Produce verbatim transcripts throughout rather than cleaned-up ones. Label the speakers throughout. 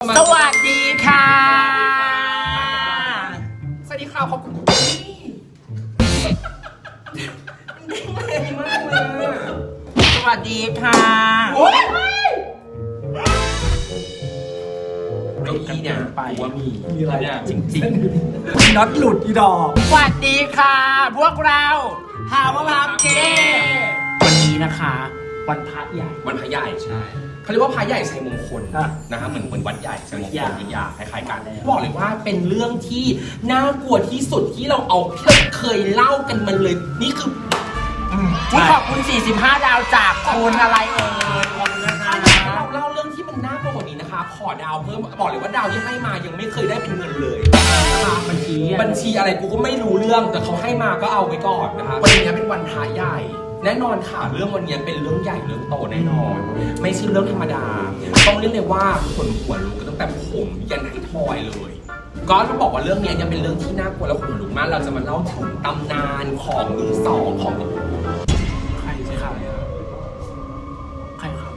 Speaker 1: สวัสดีค่ะ
Speaker 2: สวัสดีค่ะขอบคุณ
Speaker 1: สวัสดีค่ะ
Speaker 2: โอ้ยเก้าอี้เนี่ยไปว่ามี
Speaker 3: มีอะไรอ่ะ
Speaker 2: จริง
Speaker 3: ๆน็อตหลุดอีดอก
Speaker 1: สวัสดีค่ะพวกเราฮาวาพับเกวันนี้นะคะวันพระใหญ่
Speaker 2: วันพระใหญ่ใช่เขาเรียกว่าพระใหญ่ชัยมงคลนะครับเหมือนเหมือนวัดใหญ่ชัยมงคลวิทยาคล้ายๆกันบอกเลยว่าเป็นเรื่องที่น่ากลัวที่สุดที่เราเอาเคยเล่ากันมันเลยนี่คือ
Speaker 1: ขอบคุณสี่สิบห้าดาวจากคุณอะไรเอ่ยขอบคุณนะคะ
Speaker 2: เราเล่าเรื่องที่มันน่ากลัวกว่านี้นะคะขอดาวเพิ่มบอกเลยว่าดาวที่ให้มายังไม่เคยได้เป็นเงินเลยนะคะ
Speaker 1: บัญชี
Speaker 2: บัญชีอะไรกูก็ไม่รู้เรื่องแต่เขาให้มาก็เอาไว้ก่อนนะคะวันนี้เป็นวันพระใหญ่แน่นอนค่ะเรื่องวันนี้เป็นเรื่องใหญ่เรื่องโตแน่นอนไม่ใช่เรื่องธรรมดาต้องเรียกเลยว่าคนหัวลุกกันตั้งแต่ผมยันไททอยเลยก็ต้องบอกว่าเรื่องนี้ยังเป็นเรื่องที่น่ากลัวและขนลุกมากเราจะมาเล่าถึงตำนานของมือสองของ
Speaker 1: ใครใครใครครับ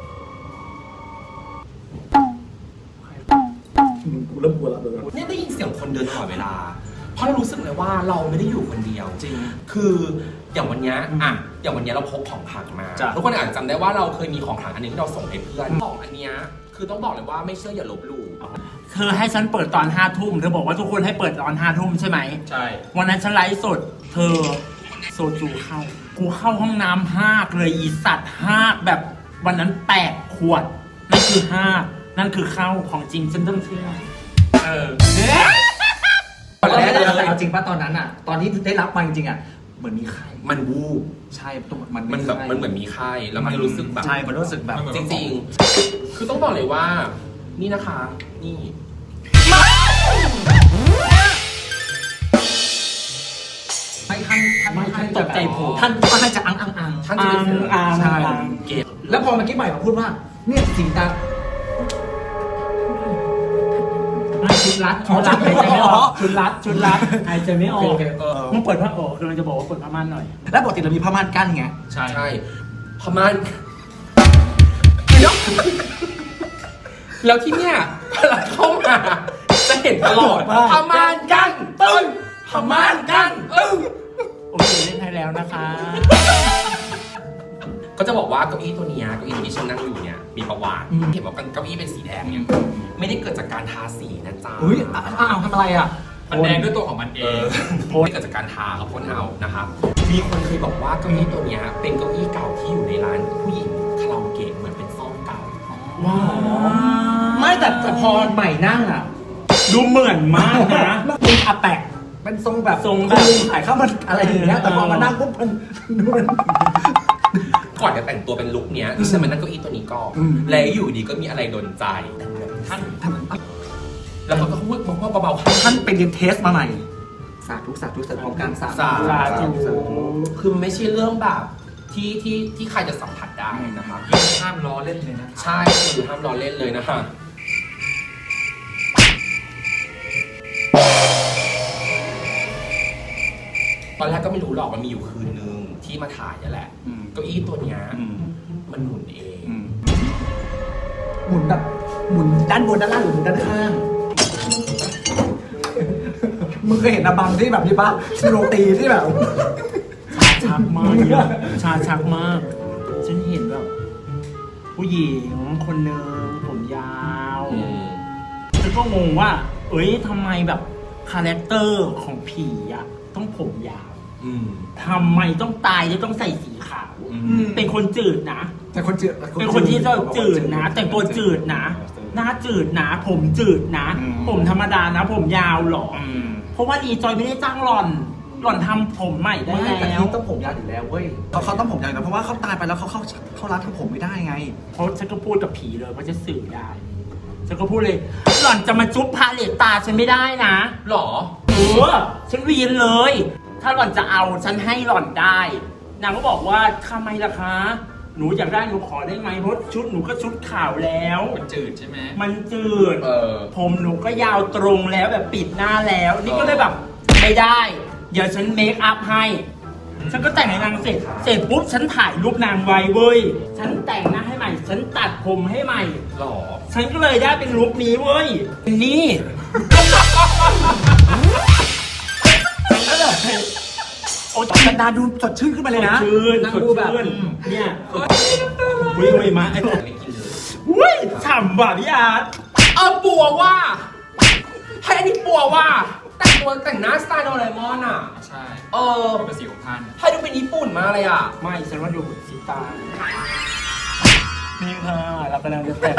Speaker 3: กูเริ่มกลัวแล้วเลย
Speaker 2: เนี่ยได้ยินเสียงคนเดินตลอดเวลาเพราะเรารู้สึกเลยว่าเราไม่ได้อยู่คนเดียวจริงคืออย่างวันนี้อ่ะอย่างวันนี้เราพกของขลังมาทุกคนอาจจะจำได้ว่าเราเคยมีของขลังอันนึงที่เราส่งให้เพื่อนของอันนี้คือต้องบอกเลยว่าไม่เชื่ออย่าลบหลู่
Speaker 1: เธอให้ฉันเปิดตอนห้าทุ่มเธอบอกว่าทุกคนให้เปิดตอนห้าทุ่มใช่ไหม
Speaker 2: ใช่
Speaker 1: วันนั้นฉันไลฟ์สดเธอโซจูเข้ากูเข้าห้องน้ำห้ากเลยอีสัตว์ห้ากแบบวันนั้นแปดขวดนั่นคือห้านั่นคือเข้าของจริงฉันต้องเชื่อ
Speaker 2: เออ
Speaker 3: ตอนแรกเลยเอาจริงป่ะตอนนั้นอ่ะตอนที่ได้รับมาจริงๆอ่ะเหมือนมีไข้
Speaker 2: มันวูบ
Speaker 3: ใช่มัน
Speaker 2: มันแบบมันเหมือนมีไข้แล้วมันรู้สึกแบบ
Speaker 3: ใช่มันรู้สึกแบบ
Speaker 2: จริงๆคือต้องบอกเลยว่านี่นะคะนี่
Speaker 3: ไม่ท่านท่านไม่ท่าน
Speaker 1: ตกใจผม
Speaker 3: ท่านก็ให้จะอังอังอัง
Speaker 2: ท่านจะเป็นเสือ
Speaker 3: ใช่เก็บแล้วพอเมื่อกี้ใหม่มาพูดว่าเนี่ยสีตา
Speaker 1: ชุดรัดชุดรัดหายใจไม่ออกชุดรัดชุดรัดหายใจไม่ออกมึงเปิดผ้าโอ้กำลังจะบอกว่าเปิดผ้าม่านหน่อย
Speaker 3: แล้วปกติเรามีผ้าม่านกั้นไง
Speaker 2: ใช่ใช่ผ้าม่านแล้วที่เนี่ยพอเราเข้ามาจะเห็นตลอดผ้าม่านกั้นตึ้งผ้าม่านกั้นตึ้ง
Speaker 1: โอเคเล่นให้แล้วนะคะ
Speaker 2: ก็จะบอกว่าเก้าอี้ตัวนี้เก้าอี้ที่ฉันนั่งอยู่เนี่ยมีประวัติเห็นว่าเก้าอี้เป็นสีแดงเนี่ยไม่ได้เกิดจากการทาสีนะจ๊ะ
Speaker 3: อุ้ยอ้าวทำอะไรอ่ะ
Speaker 2: มันแดงด้วยตัวของมันเองพ่นเกิดจากการทาเขาพ่นเอานะครับมีคนเคยบอกว่าเก้าอี้ตัวนี้เป็นเก้าอี้เก่าที่อยู่ในร้านผู้หญิงคาราโอเกะเหมือนเป็นซ่อมเก่า
Speaker 3: ว้าวไม่แต่พอใหม่นั่งอ่ะ
Speaker 1: ดูเหมือนมากนะ
Speaker 3: เป็นอาแปะเป็นทรงแบบ
Speaker 1: ทรงแบบ
Speaker 3: ขายข้าวมันอะไรอย่างเงี้ยแต่พอมานั่งปุ๊บมันดูมัน
Speaker 2: ก่อนจะแต่งตัวเป็นลุคเนี้ยดิฉันมานั่งเก้าอี้ตัวนี้ก่อนแล้วอยู่ดีก็มีอะไรโดนใจท่านท่านแล้วเขาก็พูดบอกว่าเบาๆ
Speaker 3: ท่านไปเรียนเทสมาใหม่สาธุสาธุสาธุการสา
Speaker 2: ธุคือไม่ใช่เรื่องแบบที่ที่ที่ใครจะสัมผัสได้นะครับ
Speaker 3: ห้ามล้อเล่นเลยนะ
Speaker 2: ใช่คือห้ามล้อเล่นเลยนะฮะตอนแรกก็ไม่รู้หรอกมันมีอยู่คืนนึงที่มาถ่ายนี่แหละเก้าอี้ตัวเนี้ยมันหมุนเอง
Speaker 3: หมุนแบบหมุนด้านบนด้านล่างหรือหมุนด้านข้างมึงเคยเห็นอะบังที่แบบนี้ป่ะโรตีที่แบบ
Speaker 1: ชาชักมากชาชักมากฉันเห็นแบบผู้หญิงคนนึงผมยาวฉันก็งงว่าเอ้ยทำไมแบบคาแรคเตอร์ของผีอะต้องผมยาวทำไมต้องตายแล้วต้องใส่สีขาวเป็นคนจืดนะ
Speaker 3: แต่คนจืด
Speaker 1: เป็นคนที่เราจืดนะแต่ตัวจืดนะหน้าจืดนะผมจืดนะผมธรรมดานะผมยาวหรอเพราะว่ารีจอยไม่ได้จ้างหล่อนหล่อนทำผมใหม่ได้แล้วแต่
Speaker 3: ที่ต้องผมยาวอยู่แล้วเว้ยเขาเขาต้องผมยาวนะเพราะว่าเขาตายไปแล้วเขาเข้าเขาร้านทำผมไม่ได้ไง
Speaker 1: เพราะฉันก็พูดกับผีเลยว่าจะสื่อได้ฉันก็พูดเลยหล่อนจะมาจุ๊บพาเลตตาฉันไม่ได้นะ
Speaker 2: หรอ
Speaker 1: เออฉันวีนเลยถ้าหล่อนจะเอาฉันให้หล่อนได้นางก็บอกว่าทำไมล่ะคะหนูอยากได้หนูขอได้ไหมเพราะชุดหนูก็ชุดขาวแล้ว
Speaker 2: มันจืดใช่ไหม
Speaker 1: มันจืดผมหนูก็ยาวตรงแล้วแบบปิดหน้าแล้วนี่ก็เลยแบบไม่ได้เดี๋ยวฉันเมคอัพให้ฉันก็แต่งให้นางเสร็จเสร็จปุ๊บฉันถ่ายรูปนางไว้เว้ยฉันแต่งหน้าให้ใหม่ม่ฉันตัดผมให้ใหม่
Speaker 2: หรอ
Speaker 1: ฉันก็เลยได้เป็นลุคนี้เว้ยนี่ฉันก็เลยโอ้ย
Speaker 3: บรรดาดูสดชื่นขึ้นมาเลยนะ
Speaker 1: สดชื่น
Speaker 3: นั่ง
Speaker 1: สด
Speaker 3: ดูแบบ
Speaker 1: ชื่น
Speaker 3: อืม
Speaker 1: เนี่ยอุ้ยอุ้ยมาไอ้
Speaker 2: ไม่กินเลย
Speaker 1: อุ้ยฉ่ำว่ะพี่อาร์ต
Speaker 2: เออปัวว่าให้อันนี้ปัวว่าแต่งตัวแต่งหน้าสไตล์โดเรมอนอ่ะ
Speaker 3: ใช่
Speaker 2: เออ
Speaker 3: เป็นสีของท่าน
Speaker 2: ให้ดูเป็นญี่ปุ่นมากเลยอ่ะ
Speaker 1: ไม่ฉันว่าดูสีตานี่ค่ะเรากำลังจะแต่ง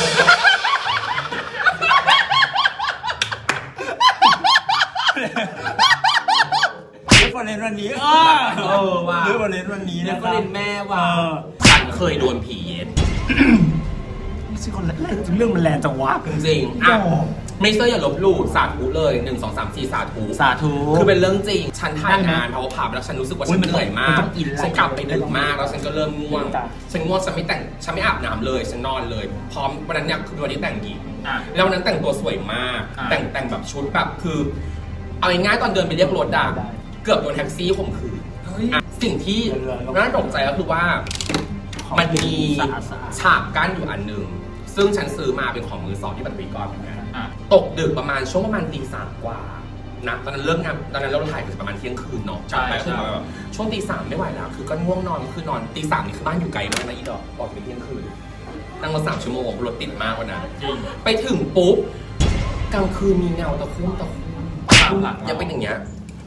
Speaker 1: เรื่องประเด็นวันนี้เออ
Speaker 2: เออว่ะ
Speaker 1: เรื่องประเด็นวันนี้
Speaker 2: เนี่
Speaker 1: นะ
Speaker 2: ย
Speaker 1: ค
Speaker 2: ก็
Speaker 1: รับ
Speaker 2: เล่นแม่ว่า
Speaker 1: เออ
Speaker 2: ฉันเคยโดนผีเย็น
Speaker 1: ไม่ใช่คนแรกเรื่องมันแรงจังวะ
Speaker 2: จริงๆอ่ะไม่เชื่ออย่าลบหลู่สาธุเลยหนึ่งสองสามสี่สาธุ
Speaker 1: สาธุ
Speaker 2: คือเป็นเรื่องจริง ฉันถ่ายงานเพราะว่าผ่าแล้วฉันรู้สึกว่า
Speaker 1: อุ๊
Speaker 2: ฉั
Speaker 1: ย
Speaker 2: น
Speaker 1: มัน
Speaker 2: เหนื่อยมาก
Speaker 1: มันต้องอินไลน์
Speaker 2: ฉันกลับไปดึกมากแล้วฉันก็เริ่มง่วง
Speaker 1: จ้ะ
Speaker 2: ฉันง่วงฉันไม่แต่งฉันไม่อาบน้ำเลยฉันนอนเลย พร้อมวันนั้นเนี่ยคือวันนี้แต่งหญิง
Speaker 3: อ่ะ
Speaker 2: แล้ววันนั้นแต่งตัวสวยมาก
Speaker 3: อ่ะ
Speaker 2: แต่งแต่งแบบชุดแบบคือ เอาง่ายๆตอนเดินไปเรียกรถอะ
Speaker 1: ได้
Speaker 2: เกือบโดนแท็กซี่ข่มขืน
Speaker 3: เฮ้ย
Speaker 2: อ่ะสิ่งที่
Speaker 1: เรือๆ
Speaker 2: น่าตกใจก็คือว่า มันมี
Speaker 1: สะอาดสะอาด
Speaker 2: ฉากกั้นอยู่อันหนึ่งซึ่งฉันซื้อมาเป็นของมือสองที่ปัตตวีกรเหมือนกัน
Speaker 3: อ่ะ
Speaker 2: ตกดึกประมาณช่วงประมาณตีสามกว่านะตอนนั้นเริ่มงานตอนนั้นเราถ่ายถึงประมาณเที่ยงคืนเนาะ
Speaker 3: ใช่
Speaker 2: กลับไปก็คือ
Speaker 3: ใช่
Speaker 2: แบบช่วงตีสามไม่ไหวแล้วคือก็ง่วงนอนคือนอนตีสามนี่คือบ้านอยู่ไกลมากนะอีดอกออกไปเที่ยงคืนนั่งมาสามชั่วโมงรถติดมากวันนั้น
Speaker 3: จริง
Speaker 2: ไปถึงปุ๊บกลางคืนมีเงาตะคุ่มตะคุ่ม
Speaker 3: ตามหลัง
Speaker 2: ยังเป็นอย่างเงี้ย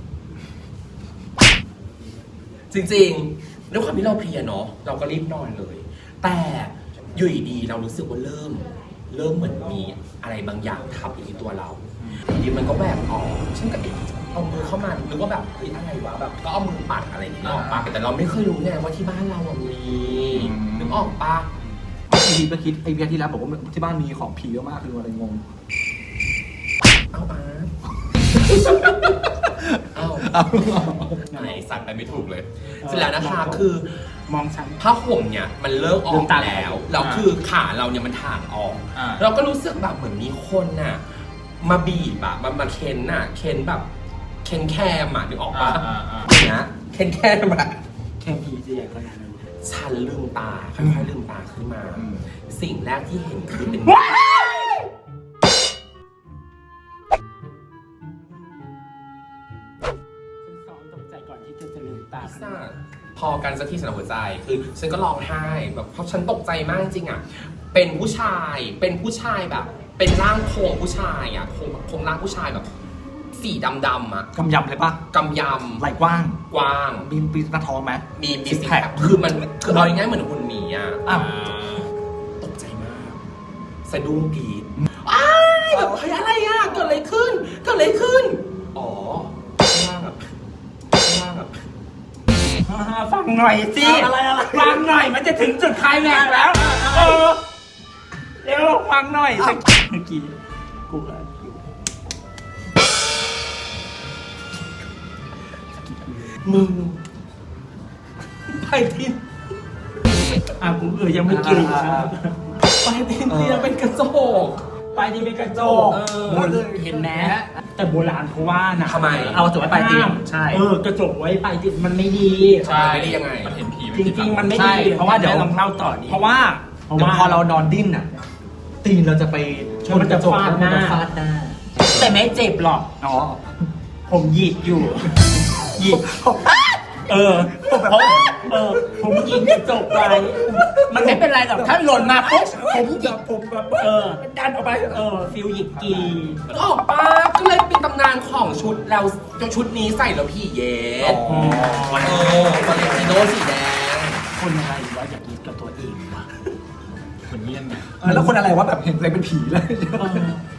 Speaker 2: จริงๆด้วยความที่เราเพลียเนาะเราก็รีบนอนเลย แต่อยู่ดีๆเรารู้สึกว่าเริ่ม เริ่มเหมือนมีอะไรบางอย่างทับอยู่ที่ตัวเราอยู่ดีมันก็แหวกออกฉันก็เอ๊ะเอามือเข้ามานึกว่าแบบเฮ้ยอะไรวะแบบก็เอามือปัดอะไรอย่างเงี้ยออกปะแต่เราไม่เคยรู้ไงว่าที่บ้านเราอะมีนึกออกปะ
Speaker 3: ทีทีก็คิดไอ้เพียที่แล้วบอกว่าที่บ้านมีของผีเยอะมากคืออะไรงง
Speaker 2: เอาอาร์ตเอาไหนสั่นไปไม่ถูกเลย เสร็จแล้วนะคะคือ
Speaker 1: มองฉัน
Speaker 2: ผ้าห่มเนี่ยมันเลิกอ
Speaker 1: ลื
Speaker 2: อก
Speaker 1: มตา
Speaker 2: แล้วแล้วคือขาเราเนี่ยมันถ่างออก
Speaker 3: อ่า
Speaker 2: เราก็รู้สึกแบบเหมือนมีคนน่ะมาบีบอะมามาเค้นน่ะเค้นแบบเค้นแคมอะนึกออกปะ
Speaker 3: อ่าอ่า
Speaker 2: อย่างเงี้ยเค้นแคมอะ
Speaker 1: แค่ผีจะใหญ่ขนาดนั้น
Speaker 2: ฉันลืมตาค่อยๆลืมตาขึ้นมา
Speaker 3: อืม
Speaker 2: สิ่งแรกที่เห็นคือเป็น
Speaker 1: ฉันซ้อมตกใจก่อนที่จะจะลืมตา
Speaker 2: พิซซ่าพอกันสักที่สนามหัวใจคือฉันก็ร้องไห้แบบเพราะฉันตกใจมากจริงอ่ะเป็นผู้ชายเป็นผู้ชายแบบ เป็นร่างโครงผู้ชายอ่ะโครงโครงร่างผู้ชายแบบ สีดำๆอ่ะ
Speaker 3: กำยำเลยปะ
Speaker 2: กำย
Speaker 3: ไหล่กว้าง
Speaker 2: ำกว้าง
Speaker 3: มีปีหน้าท้องไหม
Speaker 2: มีมี
Speaker 3: ซิก
Speaker 2: สิ
Speaker 3: แพค
Speaker 2: คือมันคือเอาง่ายๆเหมือนหุ่นหมีอ่ะ
Speaker 3: อ้าว
Speaker 2: ตกใจมากสะดุ้งกรีดอ้ายแบบเฮ้ยอะไรอ่ะเกิดอะไรขึ้นเกิดอะไรขึ้นอ๋อข้างล่างแบบข้างล่างแบบ
Speaker 1: อ่าฟังหน่อยสิ
Speaker 3: อะไรอะไร
Speaker 1: ฟังหน่อยมันจะถึงจุดไคลแม็กซ์แล้ว เออเร็วฟังหน่อยสักเมื่อกี้กูก็อยู่
Speaker 2: มึงไปทิน
Speaker 1: อ่ะกูเออยังไม่กิน
Speaker 2: ไปทินเตียเป็นกระจก
Speaker 1: ไปที่เป็นกระจก
Speaker 2: เออ
Speaker 1: โบราณเห็นไหมแต่โบราณเขาว่านะ
Speaker 2: ทำไม
Speaker 3: เอาจบไว้ปลายเตียงใช่
Speaker 1: เออกระจกไว้ปลายเตียงมันไม่ดี
Speaker 2: ใช่ไม่ได้ยังไง
Speaker 3: มันเห็นผี
Speaker 1: จริงๆมันไม่
Speaker 3: ใช่
Speaker 1: ดี
Speaker 3: เพราะว่าเดี๋ยว
Speaker 1: ลองเล่าต่อดิ
Speaker 3: เพราะว่า
Speaker 1: เพราะ
Speaker 3: เดี๋ยว
Speaker 1: ว่า
Speaker 3: พอเรานอนดิ้นอ่ะ ตีนเราจะไปชนกระจก
Speaker 1: มันจะฟาดหน้า
Speaker 3: มันจะฟาดหน้า
Speaker 1: แต่ไม่เจ็บหรอก
Speaker 3: อ๋อ
Speaker 1: ผมหยิกอยู่ หยิก เออผมแบบเออ ผมหยิกกระจกไว้มันไม่เป็นไรหรอก ถ้าหล่นมาปุ๊บผมหยิกผมแบบเออ ดันออกไป เออ ฟิลหยิกกี
Speaker 2: ออกปาก็เลยเป็นตำนานของชุดแล้วชุดนี้ใส่แล้วพี่เย็ด
Speaker 3: อ๋อ
Speaker 2: เออฟอเรนติโนสีแดง
Speaker 1: คนอะไรวะอยากหยิกกับตัวเองวะเหมือนเยี่ยมไง
Speaker 3: เออแล้วคนอะไรวะแบบเห็นอะไรเป็นผีเลย
Speaker 1: เออ